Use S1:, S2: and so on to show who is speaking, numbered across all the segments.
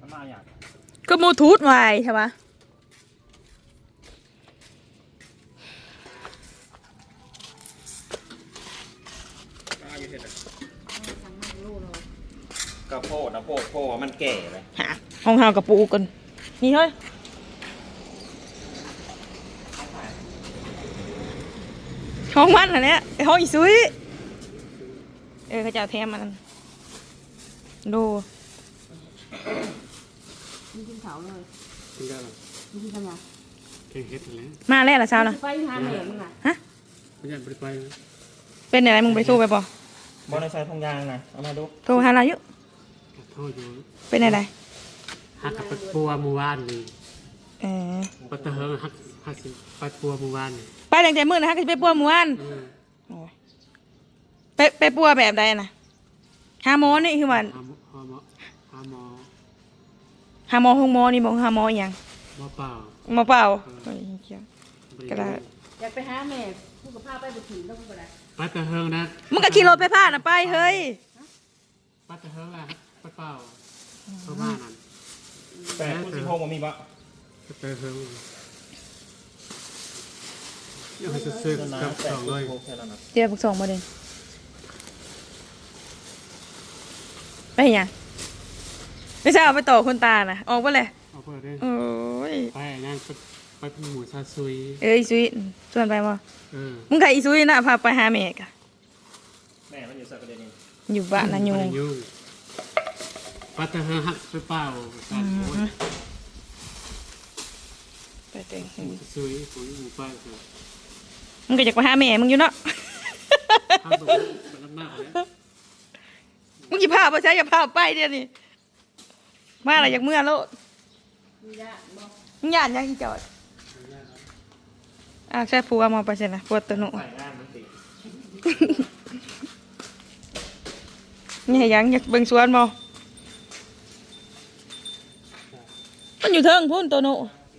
S1: มาอย่าง
S2: ก็บลูทูธไว้ใช่ปะ
S1: กระโพดนะโพดมันแก่เลย
S2: ฮะห้องเฮากับปูกันนี่เฮ้ยห้องมันอันเนี้ยห้องอีซุยเขาจะเอาแถมมันดู
S3: มีกินเขาเลย
S4: กินได้หรอ
S3: มีกินกันยัง
S4: แข่งเฮ็ดแล้ว
S2: มาแล้วล่ะเช้านะ
S3: ไปหาแม่มึงน่ะ
S2: ฮะ
S4: ไม่อยากไปนะ
S2: เป็นอะไรมึงไปสู้ไปบ่
S1: บอลในซอยทองยางนะเอามาดู
S2: โทรหาเราอยู่
S4: โทษอยู่
S2: เป็นอะไร
S4: หักกับปัวมือวานนี่ปัตเตอร์เฮิงหักสิปัดปัวมือวานนี่
S2: ไปตั้งแต่มื้อนะฮะก็ไปปัวหมู่บ้านไปปัวแบบใดนะหาหมอนี่คือว่า
S4: หาหมอ
S2: หาหมอห้องหมอนี่บอกหาหมออย่าง
S4: หมอเปล่า
S2: หมอเปล่าก็ได้
S3: อยากไปหาแม่พูดกับพ่อไปบุตรแล้วพูดกับอะไร
S4: ปัตเตอร์เฮิงนะ
S2: มึงก็ขี่รถไปพานะไปเฮ้ย
S4: ปัตเตอร์เฮิงอะปัดเปล่าเข้ามานั่น
S1: แต่คุณสิพงษ์มันมีปะ
S4: ปัตเตอร์เฮิงอยากให้ซื้อกับสองเลย
S2: เดี๋ยวพวกสองมาเด่นไปยังไม่ใช่เอาไปต่อคนตานะออกไปเลย
S4: ออกไปเลย
S2: โอ้ย
S4: ไปนั่งไปเป็นหมูซาซุย
S2: อีซุยชวนไปบ่มึงใครอีซุยนะพาไปหาแม่กะ
S1: แม่มันอยู่สักประเด็นนึง
S2: อยู่บ้านนะยู
S4: ปัตเตอร์เฮิงหักไปเปล่า
S2: ไปเต็ง
S4: ซุยซุยหมูป้า
S2: มึงก็อยากไปหาแม่มึงอยู่เนาะมึงกี่ภาพมาใช้อย่าภาพไปเดี๋ยวนี้มาอะไรอยากเมื่อแล้วมึงหยาดยังจอดใช่ผัวมาไปใช่ไหมผัวตัวหนูนี่ยังอยากเบิ่งสวนบ่มันอยู่เทิงพุ่นตัวหนู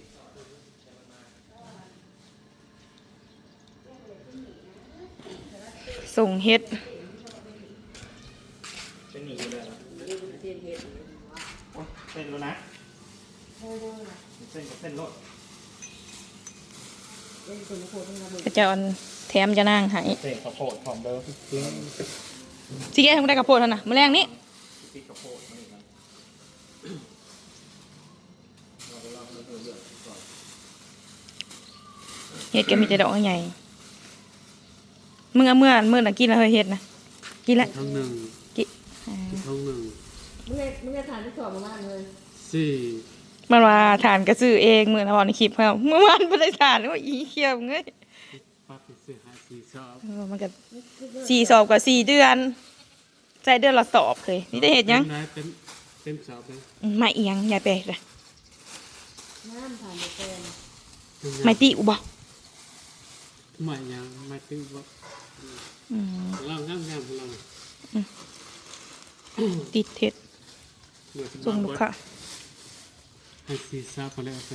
S2: ส่งเฮ็ด
S1: เป็นหนีเลยเส้นแล้วนะเส้นรถ
S2: ก็จะแถมจะนั่งหาย
S1: เส้นข้าวโพดหอมเดิม
S2: สิแกทำได้ข้าวโพดเท่าน่ะมื้อแรงนี้เฮ็ดก็มีแต่ดอกใหญ่มึงเอาเมื่อน่ะกินแล้วเฮ็ดนะกินแล้ว
S4: ท้องหนึ่ง
S2: กิ
S4: ท้องหนึ่ง
S3: มึงจะทานที่สอบมาเลย
S4: 4
S2: มันว่าทานก็ซื้อเองมื้อนะบ่ในคลิปเฮาเมื่อวานบ่ได้ทานว่าอีเขียวเงย
S4: ป้าไปซื้อหา4 สอบ
S2: มันก็4 สอบกับ4 เดือนใช้เดือนละสอบเคยนี่ได้เฮ็ดยัง
S4: เต็มสอบเลย
S2: ไม่เอียงอย่าแปลกเลย
S3: น้ำผ่านไป
S2: ไม่ติอุบ่
S4: ไม่ยังไม่ติอุบ่เรางามเรา
S2: ติดเท็ดส่งลูกค้า
S4: ให้4 สอบมาแล้วจ้ะ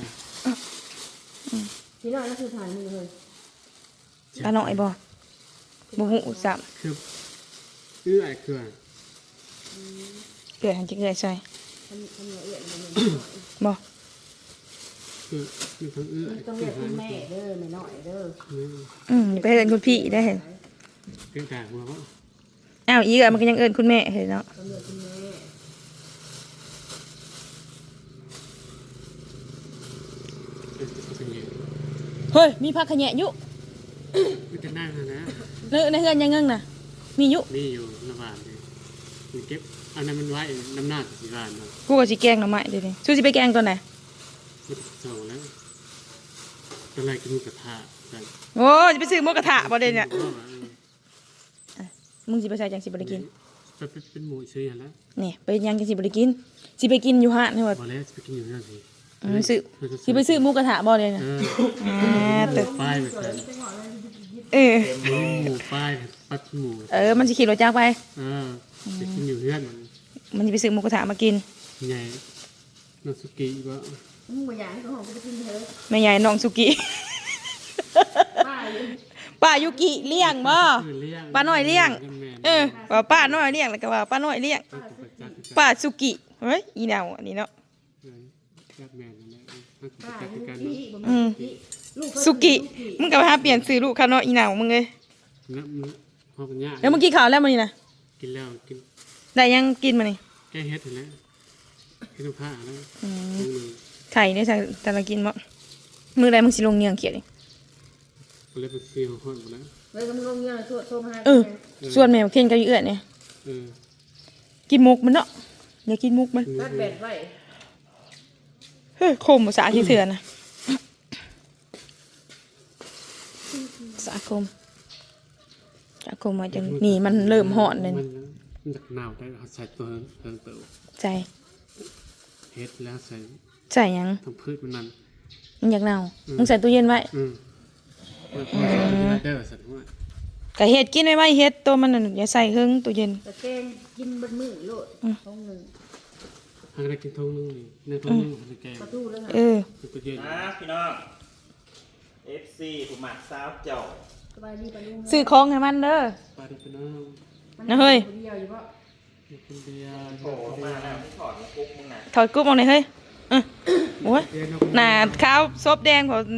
S3: ที่น้อยนั่นคือฐานมือเลย
S2: ตาหน่อยบ่หูสับ
S4: คือไอ้เกลือ
S2: หันจะเกลือใส่บ่
S4: คือทั้ง
S3: ต้องเรียกคุณแม่เด้อแม่น้อยเด้
S2: อไปเอิ้นคุณพี่ได้เห็น
S4: เกินแต่หัวบ่
S2: อ้าวอีกมันก็ยังเอิ้นคุณแม่เห็นเนาะเฮ้ยมีผักขะแยะอยู่
S4: มีแต่นั่งนะ
S2: ในเฮือนยังเงิงน่ะมีอยู่
S4: ระบาดเลยมีเก็บอันนั้นมันไว้น้ำหน้าสิบาทเนาะ
S2: กูก็สิแกงหน่อไม้เดี๋ยวนี้สู้สิไปแกงตอนไหน
S4: ส่งแล้วตอนแรกกินหมูกระทะกัน
S2: โอ้จะไปซื้อหมูกระทะบ่เด้เนี่ยมึงสิไปใส่จังสิบ่ได้กิน
S4: เป็นหมูซื้ออย่างแล้ว
S2: นี่ไปยังจังสิบ่ได้กินสิไปกินอยู่ห้างนี่ว่า
S4: บ่แล้วสิไปกินอยู่นั่นสิ
S2: สิไปซื้อหมูกระทะบ่เลยนะ
S4: ตึกป้ายไปหมูป้ายปัดหมู
S2: มันสิขี่รถจักรไป
S4: ไปกินอยู่เพื่อน
S2: มันจะไปซื้อหมูกระทะมากิน
S4: ใหญ่น้องสุกี้ว่า
S3: มึงบ่อยากให้เขาหอมไปกินเถอะ
S2: ไม่ใหญ่น้องสุกี้ป้ายุกิเลี้ยงบ่ป้าน้อยเลี้ยงว่าป้าน้อยเลี้ยงแล้วก็ว่าป้าน้อยเลี้ยงป้าสุกิเฮ้ยอีแนวอันนี้เนาะ
S4: แบบแม่นั่นแหละมัน
S3: ป้า
S4: จะ
S3: ยุ
S4: กัน
S3: กิบ่
S2: อื
S3: แม่
S2: ม
S3: ลูก
S2: สุกิมึงก็ไปหาเปลี่ยนซื้อลูกคาเนาะอีหนาวมึงเลย
S4: นะมันพอกันยาก
S2: แล้วมึงกินข้าวแล้วมื้อนี้นะ
S4: กินแล้วกิน
S2: ได้ยังกินมานี่
S4: แก้เฮ็ดเห็นแล้วกินน้ำผ้าแล้ว
S2: อืม
S4: มือ
S2: ไข่เนี่ยแต่ละกินบ่มื้อใดมึงสิลงเงียงเขียดนี่
S4: ก็เลยไปซีของคนหมดแล้ว
S3: เลยก็มึงลงเงินโทรมาหา
S2: เออ ส่วนแมวเคนกับอีเอื้อเนี่ย
S4: เออ
S2: กินมุกมันเนาะอย่ากินมุกมัน
S3: ตัดแบตไว้
S2: เฮ้ยคมภาษาที่เถื่อนนะสาคมมาจังนี่มันเริ่มหอนเลย
S4: มันจากหนาวได้เอาใส่ตัวเติมเติม
S2: ใจ
S4: เฮ็ดแล้วใส่
S2: ใส่หยัง
S4: ทั้งพืชมันนั่น
S2: มันอยากเน่ามึงใส่ตู้เย็นไว้
S4: มันพอใส่ได้สัตว์ว่า
S2: ก็เฮ็ดกินไว้เฮ็ดตัวมันน่ะอย่าใส่เฮิงตู้เย็น
S3: แต่แกงกินเบิดมื้อโลดท้องหนึง
S4: ทางได้กินทงนึงนี่ในทงนึงในแกง
S3: ประตูแล้วค่ะ
S2: เออ
S4: มันก็เย็น
S1: นะพี่น้อง FC ผู้หมักสาวเจ้า
S3: สบายดีปะลุง
S2: ซื้อของให้มันเด้อ
S4: ปลาดิบน้
S2: นะเฮ้ย
S3: เดียวอยู่บ่
S4: ำมีคนเดียว
S1: โผล่มาแล้วที่ถอดมาปุ๊บมึงน่ะ
S2: ถอดกรุ๊ปออกหน่อยเฮ้ยโอ้ยหน้าขาวซบแดงพอ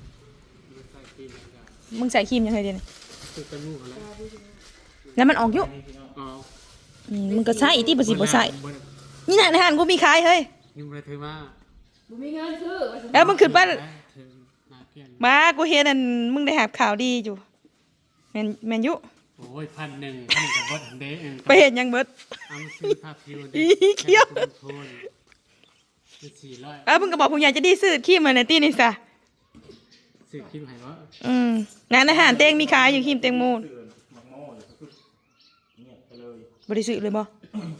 S2: มึงใส่ครีมยังไงเดี๋ยวนี้
S4: คือกันมูกแล้ว
S2: แล้วมันออกอยู่
S4: อ๋อ
S2: มึงก็ใส่อีที่บ่สิบ่ใส่นี่น่ะในห้างกูมีขายเฮ้ย
S4: ยุ่งอะไรเธอว่า
S3: บ่มีเงินซื้อว่าสิ
S2: แล้วมึงขึ้นไป
S4: เธอนาเกลียน
S2: มากูเห็นอันมึงได้หาข่าวดีอยู่แมนยุ
S4: โอ้ย1,100กับบดเด้เอง
S2: ไปเห็นยังเบิด
S4: เอามาซื้อผ้าพิว
S2: อีเขี้ยว
S4: โทนเป็น400
S2: มึงก็บอกผู้ใหญ่จะดีซื้อขี้มาในตี้นี่ซะ
S4: ซื้อคิมให้ว่า
S2: งานอาหารเต็งมีขายอยู่ขี้มเต็งโมน
S1: ตื่นหมักโม่เลยคือเนี่ยไปเลย
S2: บ่ได้ซื้อเลยบ่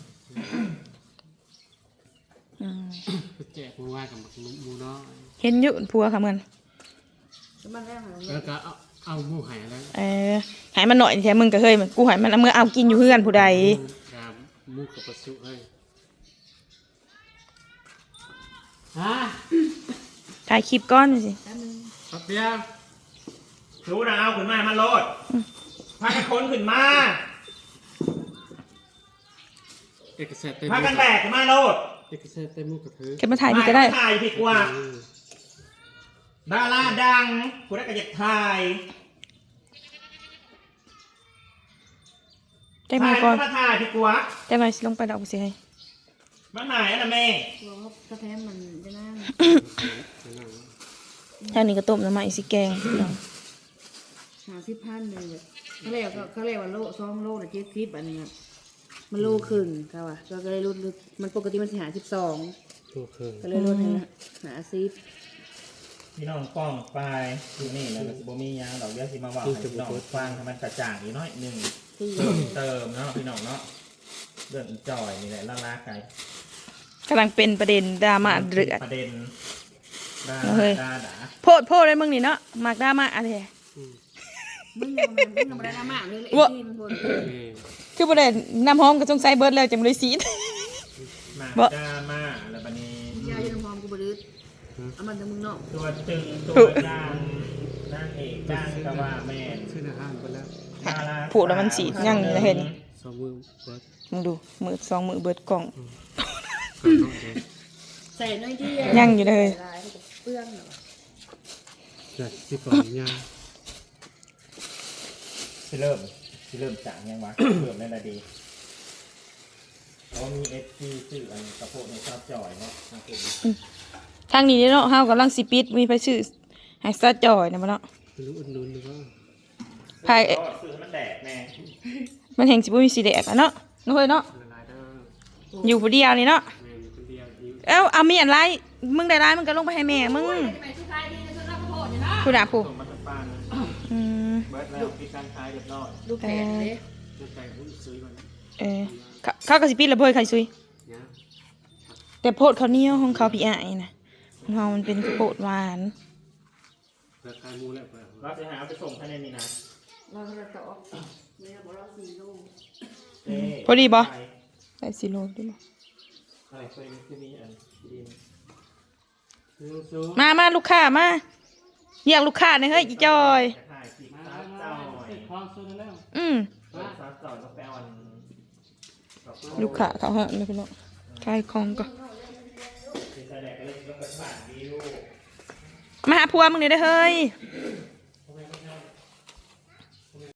S4: แจกมือว่ากับหมูน้อย
S2: เห็นอยู่ผัวค่ะมัน
S3: มันแรกของ
S4: แล้วก็เอาหมูหายแล้ว
S2: ใหายมันหน่อยแท้มึงก็เฮ้ยมันกูใหายมันเอามื่อเอากินอยู่เฮือนผู้ใด
S4: กาหมูกับปลาสุเฮ้ยฮะ
S2: ถ่ายคลิปก้อนสิ
S4: ปับเดียว
S1: รู้นะเอาขึ้นมามันโลดพากันคนขึ้นมา
S4: เอกสารเต็ม
S1: พากันแบกขึ้นมาโลด
S4: เอกสารเต็มหมูกับเธอ
S2: เก็บมาถ่ายพี่ก็ได้
S1: ถ่ายผิดกว่าดาราดังคุณได้กระยักถ่าย
S2: ได้มาก่อน
S1: มาถ่ายผิดกว่า
S2: ได้มาสิลงไปดอกสิให้
S1: มาถ่ายนะแม่
S3: ตัวเขากระแทมมันจะนั่ง
S2: แถวนี้ก็ต้มน้ำมันอีกสิแกงพี่น้อง
S3: 50,000เลยเขาเรียกว่าโล2โลน่ะ70อันนี้มันโลครึ่งเขาอ่ะก็เลยลดมันปกติมันสิ52
S4: ตัวเครื่อง
S3: ก็เลยลดให้50
S1: พี่น้องป้องไปอยู่นี่แล้วก็สิบ่มีหยังดอกเดี๋ยวสิมาว่าให้พี่น้องฟังให้มันกระจ่างอีกน้อยหนึงเติมเนาะพี่น้องเนาะเรื่องอีจอยนี่แหละล่าไกล
S2: กำลังเป็นประเด็นดราม่าเดือด
S1: ประเด็นด่า
S2: เฮ้ย
S1: ด่า
S2: โพดเลยมึงนี่เนาะมากดราม่าอะไร
S3: มึงยังบ่ได้น้ำมากเลยไอ้ที่มันบ่น
S2: คือประเด็นน้ำหอมก็สงสัยเบิร์ดแล้วจังเลยซีด
S1: มา
S2: บ่
S1: ด่ามาแล้วบัดนี้
S3: ยาอยู่น้ำหอมกูบ่ดื้อเอามันแต่มึงเนาะ
S1: ตัวตึงตัวดังนางเอกดังก็ว่าแม่น
S4: ซื้ออาหารไปแล้ว
S1: ดารา
S2: ผูกแล้วมันสีดยังนี่นะเห็น
S4: สองมือเบิร์ด
S2: มึงดูมือสองมือเบิร์ดกล่อง
S4: ก่อนน้องเด็ก
S3: ใส่น้อยที่
S2: ยังอยู่เลย
S3: ลายเปื้อนเนาะ
S4: จัดที่ก่อนยา
S1: สิเริ่มจางยังวะ เริ่มได้ละดีเขามีเอฟซีชื่ออันกระโปงในชอบจอยเนาะนะคุณ
S2: ทางนี้เนาะเฮากำลังสิปิดมีไปซื้อให้ซาจอยนะบ่เนาะ
S4: ไม่รู้อุ่นนุ่นหรือว่า
S2: ภาย
S1: ก็ซื้อให้มันแดกแน่
S2: มันแห่งสิบ่มีสีแดงอ่ะเนาะน้องเฮ้ยเนาะ
S4: ละลายเด้อ
S2: อยู่ผู้เดียวนี่เนาะ
S4: แม่อยู่คนเดียวอยู่
S2: เอามีอันไรมึงได้ไรมึงก็ลงไปให้แม่มึงผู้ด่าผู้
S1: ส่งมาทางปาน
S2: อืม
S1: เบิร์ดแล้วมีการขายเรียบร้อย
S3: ลูกแผลเลย
S4: น้ำใจหุ้นซื้อมัน
S2: เขาก็สิปิดระเบิดไข่ซุย
S4: เนี่ย
S2: แต่โพดเขาวเหนียวของเขาพี่อ้ายนะของเรามันเป็นข้าวโพดหวาน
S4: ราคามูแล้วเปล่า
S1: เราจะหาเอาไปส่งภายในนี้นะ
S3: เราจะต่อเนี่ยบอกเรา4 ลูก
S1: เอ้
S2: พอดีบ่
S1: ไป
S2: ได้สิโลได้บ่
S1: อะไรเคยมีที่นี่อันดิน
S4: ซื้อ
S2: มาลูกค้ามาเรียกลูกค้าหน่อยเฮ้ยอีจอย
S1: จะถ่ายคลิป
S4: มา
S1: สาว
S4: มา
S1: เจ้าหน่อย
S4: ติดคลองซื้อแล้ว
S1: สาวเจ้าก็ไปเอาอัน
S2: ลูกค้าเขาฮะไม่เป็นไรขายของก็
S1: เแสดงก็เลยต้องกระบาดวิว
S2: มาหาผัวมึงเนี่อยได้อเฮ้ย